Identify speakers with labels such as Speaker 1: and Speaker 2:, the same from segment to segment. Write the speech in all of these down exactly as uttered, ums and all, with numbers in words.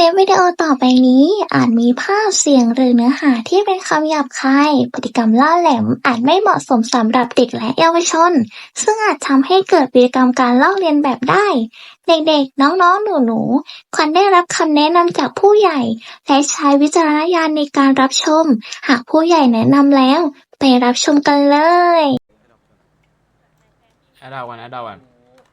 Speaker 1: ลิปวิดีโอต่อไปนี้อาจมีภาพ เสียง หรือเนื้อหาที่เป็นคำหยาบคาย พฤติกรรมล่าแหลมอาจไม่เหมาะสมสำหรับเด็กและเยาวชน ซึ่งอาจทำให้เกิดพฤติกรรมการลอกเลียนแบบได้ เด็กๆ น้องๆ หนูๆ ควรได้รับคำแนะนำจากผู้ใหญ่ และใช้วิจารณญาณในการรับชม หากผู้ใหญ่แนะนำแล้ว ไปรับชมกันเลย
Speaker 2: แอดดาวกันแอดดาวกัน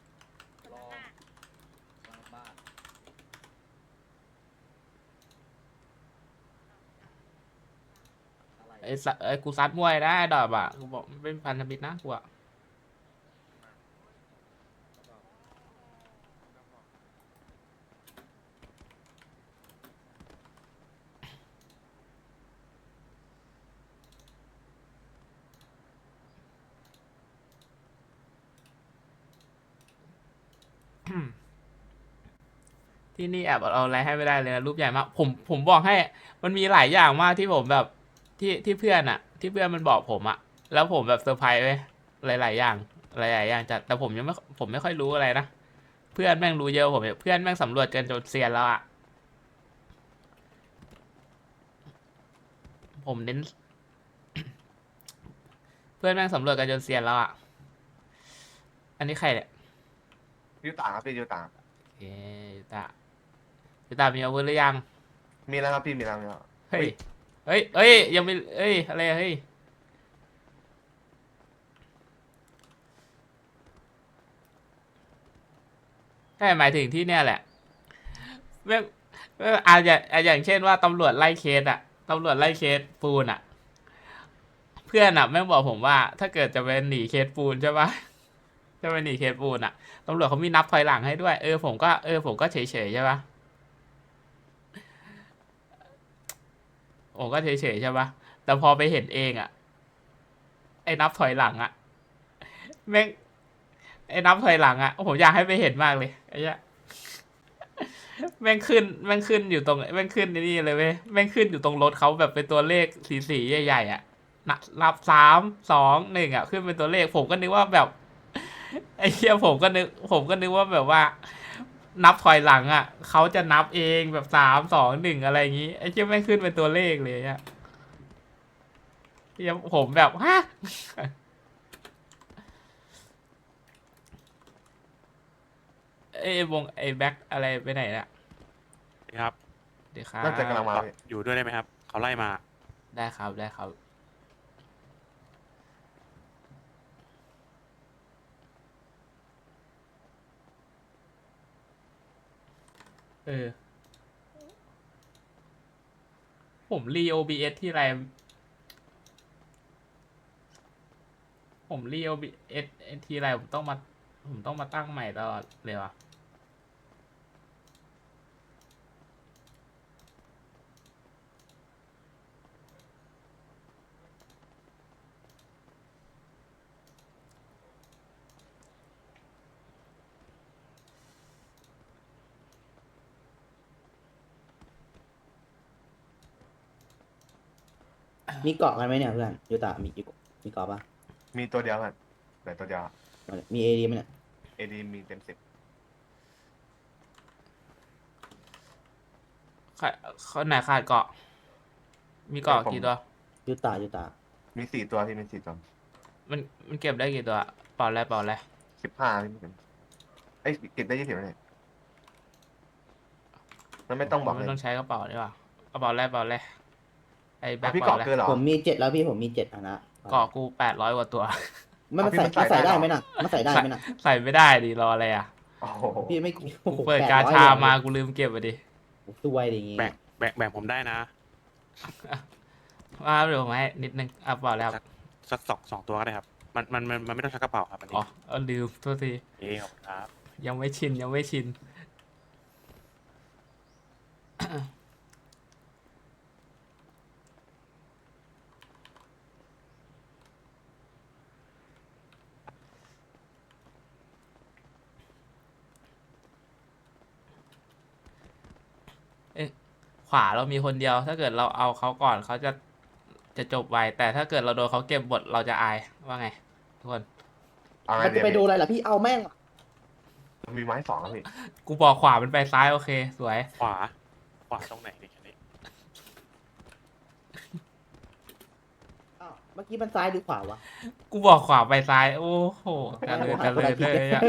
Speaker 2: ไอ้สัไอ้กูซัดมวยได้ดอกอ่ะกูบอกไม่เป็นพันธมิตรนะกูอ่ะ ที่นี่แอบเอาอะไรให้ไม่ได้เลยนะรูปใหญ่มากผมผมบอกให้มันมีหลายอย่างมากที่ผมแบบที่ที่เพื่อนอ่ะ ที่เพื่อนมันบอกผมอ่ะแล้วผมแบบเซอร์ไพรส์ไปหลายๆอย่างหลายๆอย่างจัดแต่ผมยังไม่ผมไม่ค่อยรู้อะไรนะเพื่อนแม่งรู้เยอะผมเพื่อนแม่งสำรวจกันจนเซียนแล้วอ่ะผมเน้น เพื่อนแม่งสำรวจกันจนเซียนแล้วอ่ะอันนี้ใครเนี่ย
Speaker 3: ยูตาครับพี่ยูตา
Speaker 2: โอเคยูตายูตามีอาวุธหรือยัง
Speaker 3: มีแล้วครับพี่มีแล้วมีแล้ว
Speaker 2: เฮ้ย เฮ้ย เฮ้ย ยังไม่เฮ้ย อะไรเฮ้ย ใช่หมายถึงที่เนี่ยแหละแม่งแม่งอาจจะอย่างเช่นว่าตำรวจไล่เคสอะตำรวจไล่เคสปูนอะเพื่อนอะแม่งบอกผมว่า ถ้าเกิดจะเป็นหนีเคสปูนใช่ปะจะไปหนีเคสปูนอะตำรวจเขามีนับถอยหลังให้ด้วย เออ ผมก็ เออ ผมก็เฉยๆใช่ปะผมก็เฉยๆใช่ปะแต่พอไปเห็นเองอะไอ้นับถอยหลังอะแม่งไอ้นับถอยหลังอะผมอยากให้ไปเห็นมากเลยไอ้เนี้ยแม่งขึ้นแม่งขึ้นอยู่ตรงแม่งขึ้นนี่เลยเว้ยแม่งขึ้นอยู่ตรงรถเขาแบบเป็นตัวเลขสีสีใหญ่ๆอ่ะนับสามสองหนึ่งอ่ะขึ้นเป็นตัวเลขผมก็นึกว่าแบบไอ้เหี้ยผมก็นึกผมก็นึกว่าแบบว่า นับถอยหลังอ่ะเขาจะนับเองแบบสามสองหนึ่งอะไรอย่างงี้ไอ้เหี้ยแม่งขึ้นเป็นตัวเลขเลยอ่ะเหี้ยผมแบบฮะไอ้วงไอ้แบ็คอะไรไปไหนน่ะ
Speaker 4: ครับ
Speaker 2: เดี๋ยวครับ
Speaker 3: น่าจะกำลังมาพี่
Speaker 4: อยู่ด้วยได้ไหมครับ เขาไล่มา
Speaker 2: ได้ครับได้ครับเออผมรี โอ บี เอส ที่ไรผมรี โอ บี เอส ทีไรผมต้องมาผมต้องมาตั้งใหม่ตลอดเลยวะ
Speaker 5: มีเกาะกันไหมเนี่ยเพื่อนยูตามีมีมีเกาะปะ
Speaker 3: มีตัวเดียวกันแต่ตัวเดียว
Speaker 5: มีเอดีไหมเนี่ย
Speaker 3: เอดีมีเต็มสิบ
Speaker 2: ขาดเขาไหนขาดเกาะ มีเกาะกี่ตัว
Speaker 5: ยูตายูตา
Speaker 3: มีสี่ตัวพี่มีสี่ตัว
Speaker 2: มันมันเก็บได้กี่ตัวเปล่าอะไรเปล่าอะไร
Speaker 3: สิบห้าพี่มีเป็นเอ้ยเก็บได้ยี่สิบเลยมันไม่ต้องบอกเล
Speaker 2: ไม่
Speaker 3: ย
Speaker 2: ต้องใช้กระเป๋าดีกว่ากระเป๋าอะไรเปล่าอะไรไอ้แบ็
Speaker 3: อ่ะ
Speaker 2: ค
Speaker 3: พี่
Speaker 2: เปล่า
Speaker 3: เกาะ
Speaker 2: อะไร
Speaker 3: เกินเหรอ
Speaker 5: ผมมีเจ็ดแล้วพี่ผมมีเจ็ดอันนะ
Speaker 2: เกาะกูแปดร้อยกว่าตัว
Speaker 5: ไม่มา
Speaker 3: พี่
Speaker 5: ใส่
Speaker 3: มันใส่
Speaker 5: มาใส่
Speaker 3: ได้
Speaker 5: ได้
Speaker 3: เหรอ
Speaker 5: ไหมน่ะมาใส่ได้ไหมน่ะ
Speaker 2: ใส่ไม่ได้ดิรออะไรอ่ะ
Speaker 3: โอ้โห
Speaker 5: พี่ไม่โอ้โห
Speaker 2: กูเปิด
Speaker 5: แป
Speaker 2: กา
Speaker 5: ร้อย
Speaker 2: ชา
Speaker 5: เลย
Speaker 2: มากูลืมเก็บไปดิ
Speaker 5: สวยดิอย่างงี้
Speaker 4: แบ่งแบ่งแบ่งผมได้นะ
Speaker 2: มาเดี๋ยวผมให้นิดนึงอ่ะเปล่าแล้ว
Speaker 4: สักสองสองตัวก็ได้ครับ มันมันมันมันไม่ต้องชักกระเป๋าครับอันนี้
Speaker 2: อ๋อเอาลืมโทษที
Speaker 4: เอ๊ะขอบคุณครับ
Speaker 2: ยังไม่ชินยังไม่ชิน เอ๊ะขวาเรามีคนเดียว ถ้าเกิดเราเอาเขาก่อนเขาจะจะจบไวแต่ถ้าเกิดเราโดนเขาเก็บบทเราจะอายว่าไงทุกคน
Speaker 3: เอาไง
Speaker 5: มัน
Speaker 3: เดี๋
Speaker 5: จะ
Speaker 3: ยว
Speaker 5: ไป
Speaker 3: พี่
Speaker 5: ดูอะไรล่ะพี่เอาแม่ง
Speaker 3: มีไม้สองแล้วพี่
Speaker 2: กูบอกขวามันไปซ้ายโอเค สวย
Speaker 4: ขวาขวาตรงไหนเนี่ยแค่นี้
Speaker 5: อ้าวเมื่อกี้มันซ้ายหรือขวาวะ
Speaker 2: กูบอกขวาไปซ้าย โอ้โหกันเลยกันเลยเลยอะ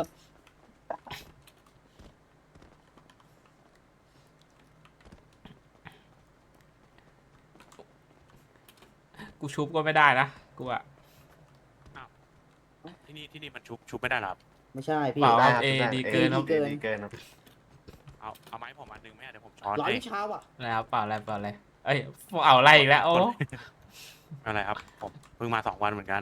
Speaker 2: กูชุบก็ไม่ได้นะ กูอะ
Speaker 4: ที่นี่ที่นี่มันชุบชุบไม่ได้หรอครับ
Speaker 5: ไม่ใช่พี่
Speaker 2: เปล่า
Speaker 3: ได้
Speaker 2: ครับ
Speaker 3: ครับ
Speaker 2: เอ
Speaker 3: ได้
Speaker 2: ดี
Speaker 3: เอ
Speaker 2: เกินครับ
Speaker 3: เอดีเกินครับ
Speaker 4: เอาเอาไม้ผมอันนึงไหมเดี๋ยวผมช้อน
Speaker 5: ร้อย
Speaker 4: ให้
Speaker 5: วิชาว่ะ
Speaker 2: นะครับเปล่าอะไรเปล่าอะไรเอ้ยพวกเอาอะไรอีกแล้ว โอ้
Speaker 4: ไม่เป็นไรครับ ผมเพิ่งมาสองวันเหมือนกัน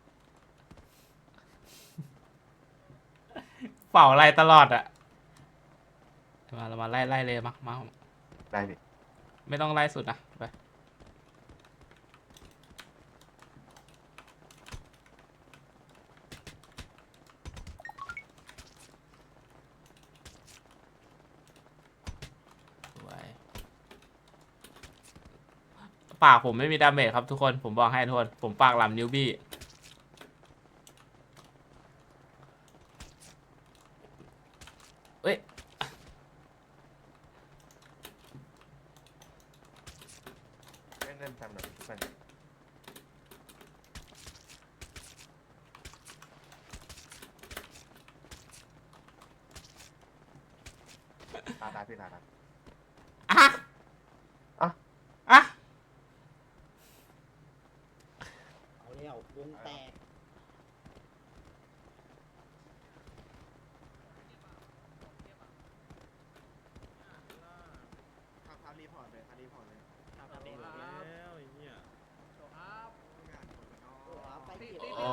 Speaker 2: เป่าอะไรตลอดอะมาเรามาไล่ไล่เลยมามา
Speaker 3: ได้พี่
Speaker 2: ไม่ต้องไล่สุดนะไปสวยปากผมไม่มีดาเมจครับทุกคนผมบอกให้ทุกคนผมปากหลำนิวบี้เอ้ย
Speaker 3: เล่นเล่นทำหน่อยทุกคนตาตาพี่ตาตา
Speaker 2: อ่ะ
Speaker 3: อ่ะ
Speaker 2: อ่ะ
Speaker 5: เอาแล้ววงแตก
Speaker 3: ทำรีพอร์ตเลยทำรีพอร์ตเลย
Speaker 6: แล้วไอ้เหี้ย
Speaker 5: ไปเก็บ
Speaker 2: โอ้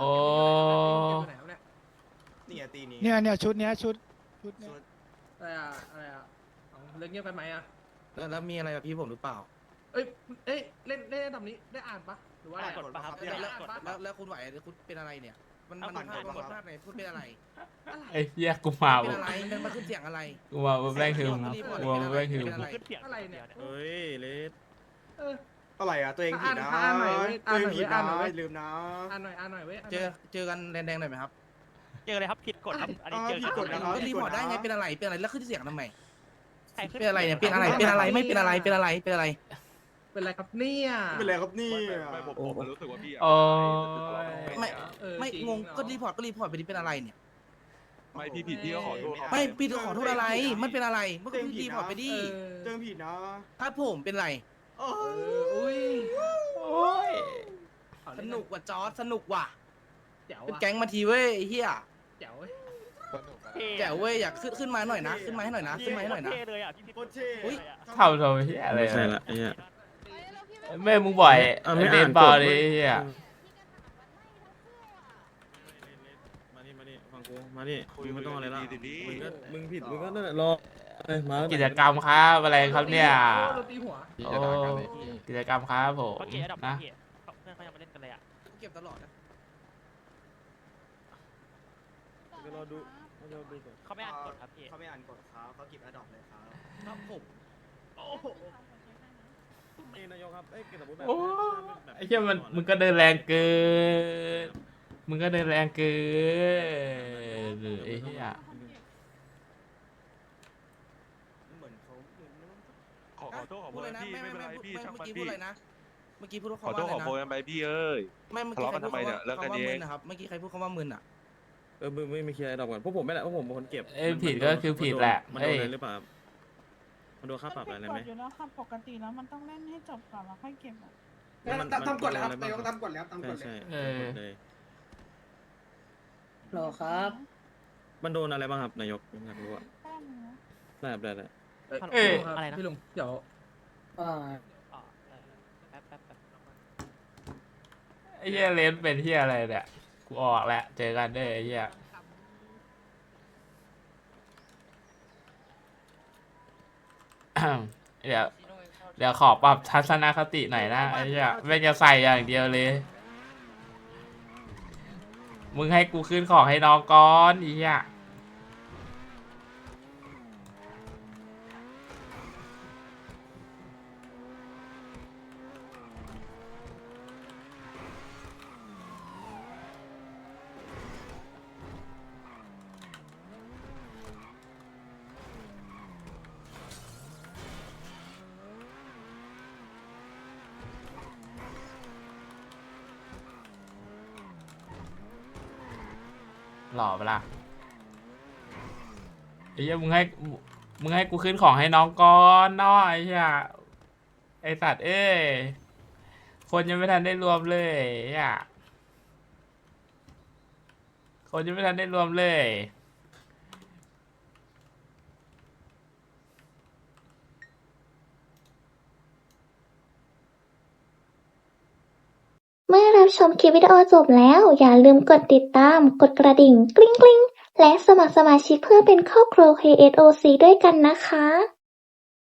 Speaker 3: นี่ตีนี้
Speaker 7: เนี่ยเนี่ยชุดเนี้ยชุดชุดเนี้ย
Speaker 6: อะไรอ่ะอะไรอ่ะเอาเรื่องเงียบไปไหมอ่ะ
Speaker 7: แล้วแล้วมีอะไรกับพี่ผมหรือเปล่า
Speaker 6: เอ้ยเอ้ยเล่นเล่นทำนี้ได้อ่านปะหรือว่าอะไร
Speaker 7: กดปะครับ
Speaker 6: ได้
Speaker 7: แล้ว
Speaker 6: อ่านปะ
Speaker 7: แล้วแล้วคุณไหวหรือคุณเป็นอะไรเนี่ย มันมันพลาดมันพลาดไหนพูดเป็นอะไร
Speaker 2: ไอ้เหี้ยกูมา
Speaker 7: เป็นอะไรมันมันขึ้นเสียงอะไร
Speaker 2: กูมาแม่งคือกูมาแม่งคือ
Speaker 7: เป็นอะไร
Speaker 6: อะไรเนี่ย
Speaker 7: เฮ้ยเลส
Speaker 6: เออ
Speaker 8: อะไรอ่ะ ตัวเองผิดนะ
Speaker 6: อ่านหน่อยเว้ย
Speaker 8: ตัวเองผิด
Speaker 6: อ่า
Speaker 8: นะ
Speaker 6: นหน่อยเว้ย
Speaker 8: ลืมนะ
Speaker 6: อ่านหน่อยอ่านหน่อยเว้ยานห
Speaker 7: เจ
Speaker 6: น่
Speaker 7: อย เจอกันแดงๆหน่อยไหมครับ
Speaker 9: เจอเลยครับผิดกฎครับอันนี้
Speaker 8: อ่า
Speaker 9: เจอ
Speaker 8: ผิดกฎนะครับ
Speaker 7: ก็รีพอร์ตได้ไงเป็นอะไรเป็นอะไรแล้วขึ้นเสียงทำไม
Speaker 9: ใครขึ้
Speaker 7: เป็นอะไรเนี่ยเป็นอะไรเป็นอะไรไม่เป็นอะไรเป็นอะไรเป็นอะไร
Speaker 6: เป็นไรครับเนี่ย
Speaker 8: ไม่เป็นไรครับนี่
Speaker 10: ไม่ผมผมรู้สึกว่าพี่อะ
Speaker 2: โอ้ย
Speaker 7: ไม่
Speaker 6: เออ
Speaker 7: ไม่
Speaker 6: จริ
Speaker 7: งง
Speaker 6: เนอะ
Speaker 7: ก็รีพอร์ตก็รีพอร์ตไปดิเป็นอะไรเนี่ย
Speaker 10: ไม่พี่ผิดพี่ก็ขอโทษเขา
Speaker 7: ไม่พี่ต้องขอโทษอะไรมันเป็นอะไรมันก็รีพอร์ตไปดิ
Speaker 6: เออ
Speaker 8: ตัวเองผิดนะครับ
Speaker 7: ผมเป็นไร
Speaker 8: โอ้
Speaker 6: เอออุ้ย
Speaker 2: โอ้ย
Speaker 6: เอา
Speaker 7: ส
Speaker 6: เล่
Speaker 7: นุกว่ะจอร์จสนุกว่ะ
Speaker 6: แจ๋ว
Speaker 7: เป็น
Speaker 6: อ่ะ
Speaker 7: แก๊งมาทีเว้ยไอ้เฮีย
Speaker 6: แจ๋วเว้ย
Speaker 7: แจ๋วเว้ยอยากขึ้นขึ้นมาหน่อยนะขึ้นมาให้หน่อยนะขึ้นมาให้หน่อยนะ
Speaker 9: เท่เลยอ่ะพี่ผิด
Speaker 8: โคตรเท่
Speaker 7: อุ๊ย
Speaker 2: เท่าโทรเหี้ยอะไร
Speaker 10: ไม่ใช่ละไอ้เหี้ย
Speaker 2: แม่มึงบ่อย
Speaker 10: เอาไม่
Speaker 2: เด
Speaker 10: อ่าน น
Speaker 2: เปล่าก
Speaker 10: ฎ
Speaker 2: ดิเหี้ย
Speaker 10: มานี่มานี่ฟังกูมานี่มึงไม่ต้องอะไรละ
Speaker 3: ดีๆดิ
Speaker 10: มึงก็มึงผิดมึงก็นั่นแหละรอเอ้ยมา
Speaker 2: กิจกรรมครับอะไรครับเนี่ย
Speaker 6: โดนตีหัว
Speaker 2: โอ้กิจกรรมครับผม
Speaker 9: เมื่อกี้อันดับ
Speaker 2: นะ
Speaker 9: เมื่อกี้เพื่อนเขายังมาเล่นกันเลยอ่ะ
Speaker 7: เก็บตลอดนะ
Speaker 10: เดี๋ยวรอดูเดี๋ยวรอดูก่อน
Speaker 9: เขาไม่อ่านกฎครับพี่
Speaker 8: เขาไม่อ่านกฎครับเขาเก็บอดอปเลยครับ
Speaker 7: ครับผม
Speaker 6: โอ้โห
Speaker 10: เอ้ยนายกครับเอ้ยสมมติแบบ
Speaker 2: โอ้
Speaker 10: แบบ
Speaker 2: ไอ้เหี้ยมันมึงก็เดินแรงเกินมึงก็เดินแรงเกินไอ้เหี้ย
Speaker 8: เหมือนเขาเหมือน
Speaker 10: ขอขอโทษขอโพ
Speaker 7: พูด
Speaker 10: ย
Speaker 7: เลยนะ
Speaker 10: พี่
Speaker 7: ไม่
Speaker 10: ไม่
Speaker 7: ไม่
Speaker 10: เป็นไร
Speaker 7: ไม่
Speaker 10: พี่
Speaker 7: ไม่
Speaker 10: ช่าง
Speaker 7: เมื่
Speaker 10: มั
Speaker 7: อน กี้พู
Speaker 10: พี่
Speaker 7: ดอะไรนะเมื่อกี้พูด
Speaker 10: ขอ
Speaker 7: คำ
Speaker 10: โท
Speaker 7: ว่า
Speaker 10: ษ
Speaker 7: อะไร
Speaker 10: ขอโพย
Speaker 7: นะ
Speaker 10: กันไปพี่เอ้ย
Speaker 7: ไม่เมื่อกี้ใครพูด
Speaker 10: ทะเลาะกันทำไมเนี่ยเลิกกัน
Speaker 7: คำว่า
Speaker 10: เอง
Speaker 7: มึนนะครับเมื่อกี้ใครพูดคำว่ามึนอ่ะ
Speaker 10: เออมึงไม่มีเคลียร์ดอกก่อนพวกผมไม่แหละพวกผมเป็นคนเก็บ
Speaker 2: เอ้ยผิดก็คือผิดแหละ
Speaker 10: มัน
Speaker 2: เอ้
Speaker 10: โดน
Speaker 2: ย
Speaker 10: อะไรหรือเปล่ามันโดนค่าปรับอะไรไหม
Speaker 11: อยู่แล้วค่ะปกติแล้วมันต้องเล่นให้จบก่อนแล้วค่อยเก็บอะ
Speaker 10: มัน
Speaker 8: ทำทำกฎแล้วครับ
Speaker 10: มัน
Speaker 8: นายกทำกฎแล้วทำก
Speaker 10: ใช่
Speaker 8: ฎเลย
Speaker 10: ใช่ทำกฎเลย
Speaker 5: รอครับ
Speaker 10: มันโดนอะไรบ้างครับนายกอยากรู้อะ
Speaker 11: แป้งเนื้อ
Speaker 10: ได้ครับได้ได้
Speaker 6: เอ้ย
Speaker 9: อะไรนะ
Speaker 6: พี่ลุงเดี๋ยว
Speaker 5: อ่า
Speaker 9: อ๋อเออแป๊บแป๊บแป๊บ
Speaker 2: ไอ้เหี้ยเลนเป็นเหี้ยอะไรเนี่ยกูออกแล้วเจอกันเด้อไอ้เหี้ย เดี๋ยวเดี๋ยวขอปรับทัศนคติหน่อยนะไอ้เหี้ยไม่งจะใส่อย่างเดียวเลย มึงให้กูขึ้นของให้น้องก่อนไอ้เหี้ยหล่อปะล่ะไอ้เหี้ยมึงให้มึงให้กูขึ้นของให้น้องก่อนน้อยไอ้เหี้ยไอสัตว์เอ้ยคนยังไม่ทันได้รวมเลยไอ้เหี้ยคนยังไม่ทันได้รวมเลย
Speaker 1: เมื่อรับชมคลิปวิดีโอจบแล้ว อย่าลืมกดติดตาม กดกระดิ่งกริ๊งกริ๊งและสมัครสมาชิกเพื่อเป็นครอบครัว เค เอส โอ ซี ด้วยกันนะคะ